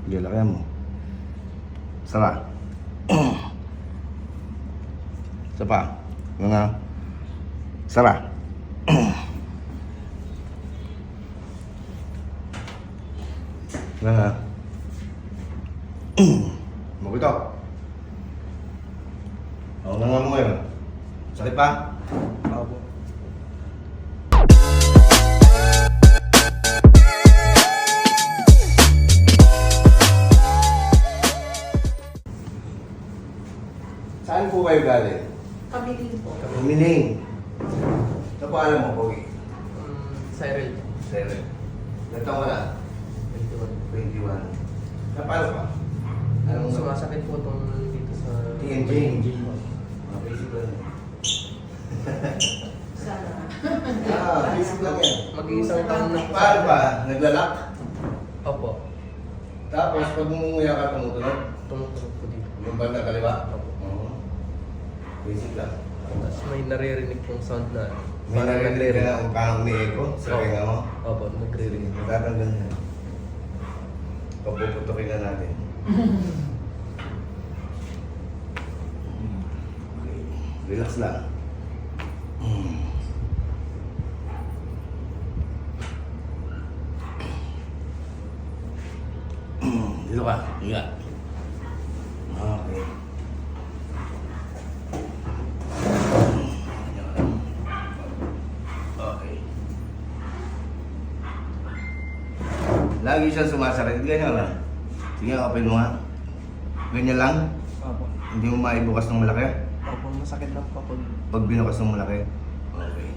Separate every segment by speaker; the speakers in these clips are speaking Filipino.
Speaker 1: Sige, lakayan mo. Sara. Isa pa. Mga. Sara. Mga. Magutok. Oo, nga mo ngayon. Sakit pa?
Speaker 2: Opo.
Speaker 1: Saan po kayo galing?
Speaker 3: Kami din po.
Speaker 1: Mining. Sa paalam mo, Pogi?
Speaker 2: Cyril.
Speaker 1: Sere. Nagtaon ka na? 21. Napalo ka? Anong
Speaker 2: Sumasakit po itong dito sa...
Speaker 1: TNG? Ah, basic lang.
Speaker 3: Sana.
Speaker 1: Basic lang yan.
Speaker 2: Mag-iisang taon na po.
Speaker 1: Paano ba? Naglalak?
Speaker 2: Opo.
Speaker 1: Tapos pag umuya ka, tumutunog?
Speaker 2: Tumutunog po dito.
Speaker 1: Yung banda kaliwa?
Speaker 2: Opo.
Speaker 1: Oo. Basic lang.
Speaker 2: Tapos may naririnig pong sound na...
Speaker 1: May narinig ka na parang may echo sa kaya mo?
Speaker 2: Opo, nagre-ring.
Speaker 1: Magtatanggal na. Papuputukin na natin. Okay. Relax lang. Dito ka. Higa. Okay. Okay. Lagi siya sumasakit. Ganyan lang. Sige, open mo nga. Ganyan lang.
Speaker 2: Opo.
Speaker 1: Hindi mo maibukas ng malaki.
Speaker 2: Opo, masakit lang po pag...
Speaker 1: Pag binukas ng malaki. Okay.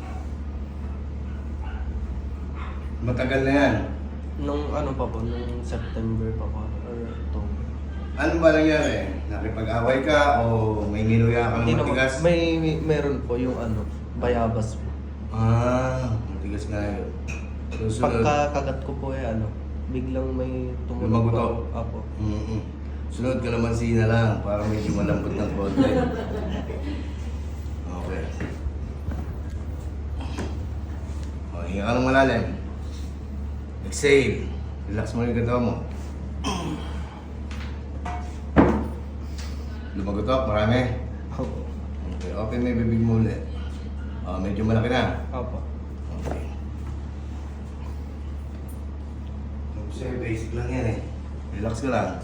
Speaker 1: Matagal na yan.
Speaker 2: Nung ano pa po, nung September pa po, or October.
Speaker 1: Ano ba nangyari? Nakipag-away ka o may niluya ka ng
Speaker 2: Hindi naman,
Speaker 1: matigas?
Speaker 2: meron po yung ano, bayabas po.
Speaker 1: Ah, matigas nga yun. Susunod.
Speaker 2: Pagkakagat ko po ano, biglang may tumunog
Speaker 1: Lumagutok?
Speaker 2: po. Apo.
Speaker 1: Sunod ka naman na lang para medyo malambot ng konti. Okay. O, hinga ka ng malalim. Exhale. Relax mo yung ganda mo. Lumagutok, marami.
Speaker 2: Opo.
Speaker 1: Okay, open mo yung bibig mo ulit. Medyo malaki na.
Speaker 2: Opo.
Speaker 1: Okay. Sir, basic lang yan eh. Relax ka lang.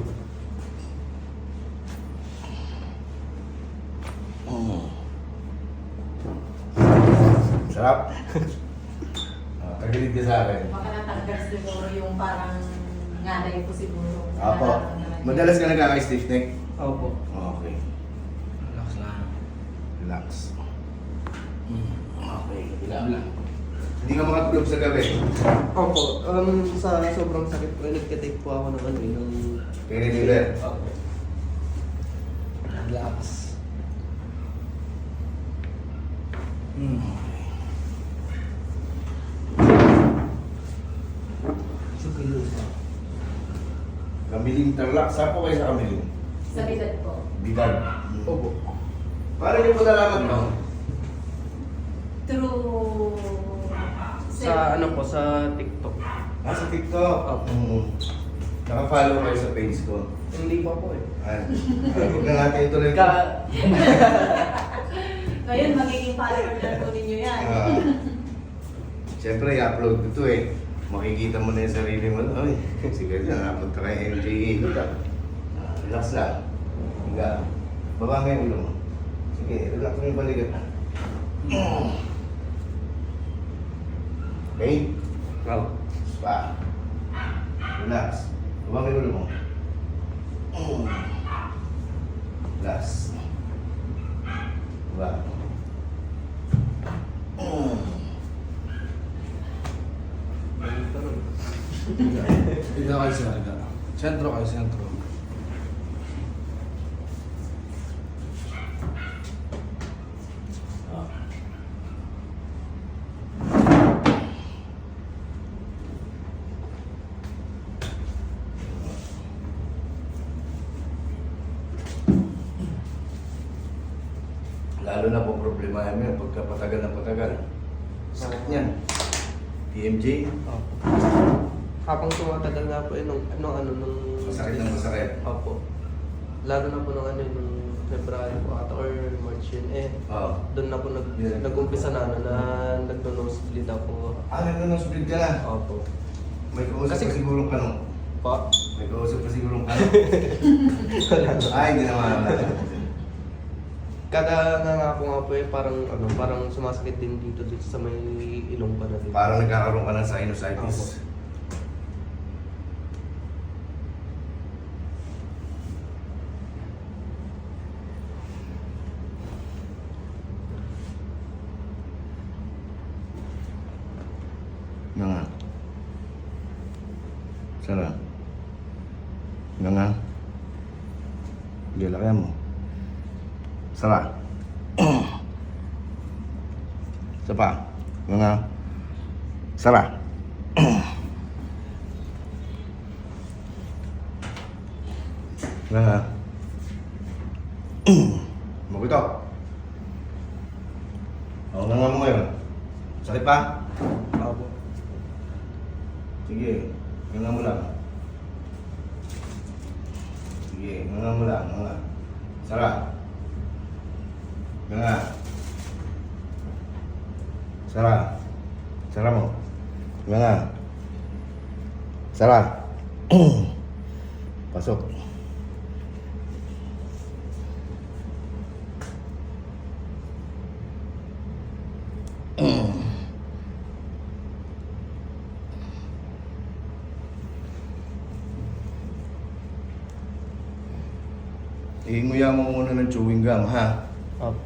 Speaker 1: Sarap. Tagilid ka sa akin.
Speaker 3: Baka natanggal siguro yung parang nganay ko siguro.
Speaker 1: Apo. Madalas ka nagkaka-stiff neck?
Speaker 2: Opo.
Speaker 1: Okay. Relax lang. Relax. Okay. Relax lang. Hindi ka makatulog sa gabi.
Speaker 2: Opo. Sa sobrang sakit po, nagka-take po ako ng ano ng...
Speaker 1: Painkiller.
Speaker 2: Opo. Relax. Kamiling Tarlac. Saan po kayo sa Kamiling?
Speaker 3: Sa bidad po.
Speaker 1: Bidal.
Speaker 2: Opo.
Speaker 1: Paano niyo po nalaman no?
Speaker 3: Through...
Speaker 2: Sa ano po, sa TikTok.
Speaker 1: Sa TikTok. Naka-follow kayo sa page ko.
Speaker 2: Hindi pa po eh.
Speaker 1: Huwag na natin ituloy.
Speaker 3: Ngayon, magiging follower na po ninyo yan.
Speaker 1: Siyempre, i-upload ko ito eh. Makikita mo na yung sarili mo. Ay, sige, na-upload ka kay MJE. Relax lang. Higa. Baba nga yung ulo mo. Sige, relax mo yung balikat. Okay?
Speaker 2: Wow.
Speaker 1: Pa. Relax. Baba nga yung ulo mo. Relax. Baba.
Speaker 4: Dito kayo sa harga. Sentro kayo, sentro.
Speaker 1: Lalo na po problema namin pagka patagal na patagal. Sakit niyan. TMJ?
Speaker 2: Opo. habang tumatagal nga po nung
Speaker 1: Masakit na masakit.
Speaker 2: Opo. Lalo na po nung nung February po ata or March yun
Speaker 1: Oo.
Speaker 2: doon na po nag-umpisa na nagno-nosebleed ako.
Speaker 1: Nag-nosebleed ka na.
Speaker 2: Opo.
Speaker 1: May kausap
Speaker 2: Kasi-
Speaker 1: pa sigurong kanong.
Speaker 2: Pa?
Speaker 1: May kausap pa sigurong kanong. Ay, hindi naman.
Speaker 2: Kada nga po nga po parang sumasakit din dito sa may ilong pa na dito.
Speaker 1: Parang nagkakaroon ka ng sinusitis.
Speaker 2: Opo.
Speaker 1: Nga nga. Sara. Nga nga. Hindi, lakayan mo. Sara. Isa pa. Nga nga. Sara. Nga nga. Magutok. O, nga nga mo ngayon. Sakit pa?
Speaker 2: Opo.
Speaker 1: Sige, nga mo lang. Sige, nga mo lang, nga. Sara. Nga. Sara. Sara mo. Nga. Sara. Pasok. Iinguya mo muna ng chewing gum, ha?
Speaker 2: Opo.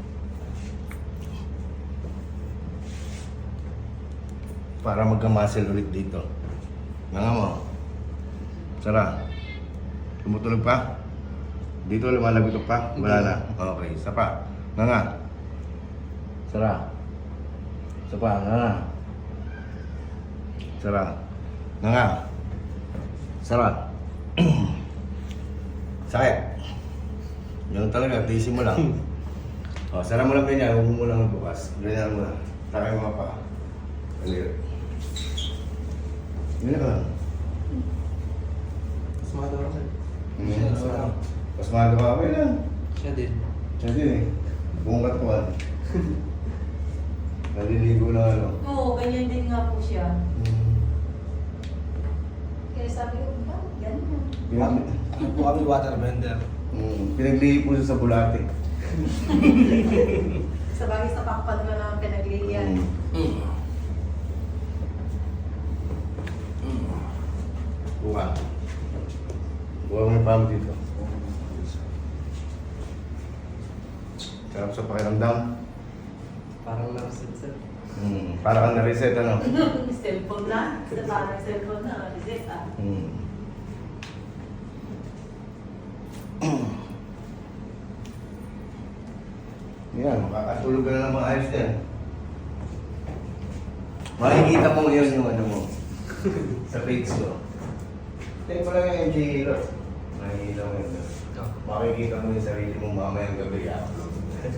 Speaker 1: Para magka-muscle ulit dito. Nga mo. Sara. Tumutulog pa? Dito lumalagotok pa? Wala na. Okay, isa pa. Nga. Sara. Isa pa, nga. Sara. Nga. Sara. Sakit. Ganun talaga, tiisin mo lang. O, sara mo lang ganyan, huwag mo lang magbukas. Ganyan mo lang. Takay mo pa. Alir. Ganyan ka lang.
Speaker 2: Pasmado ako sir.
Speaker 1: Pasmado ka, okay lang.
Speaker 2: Siya din.
Speaker 1: Siya din eh. Buong katuan. Naliligo na ano.
Speaker 3: Oo, ganyan din nga po siya. Kaya sabi ko, bakit ganun?
Speaker 4: Ano po kami waterbender?
Speaker 1: Pinaglihi po siya sa bulate.
Speaker 3: Sa bagay sa pakpad mo naman pinagliyan.
Speaker 1: Buka. Buka mo yung pamo dito. Sarap sa pakiramdam.
Speaker 2: Parang narasit sir.
Speaker 1: Para kang na-reset ano.
Speaker 3: Cellphone na. Sa parang cellphone na. Reset ah.
Speaker 1: Yan, makakatulog ka na ng maayos yan. Makikita mo ngayon yung ano mo. Sa page ko. Take mo lang yung MJ Hero. Makikita mo yun. Makikita mo yung sarili mo mamayang gabi. I-upload.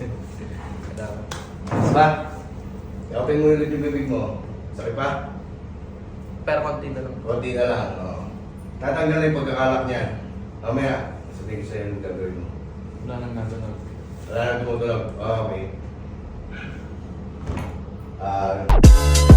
Speaker 1: Diba? I-open mo ulit yung bibig mo. Sakit pa?
Speaker 2: Pero konti na lang.
Speaker 1: Konti na lang. Oh. Tatanggal na yung pagkakalak niya. Mamaya, sabihin ko sa'yo yung gagawin mo.
Speaker 4: Wala nang nagano'n.
Speaker 1: Wala na tumutulog. Okay.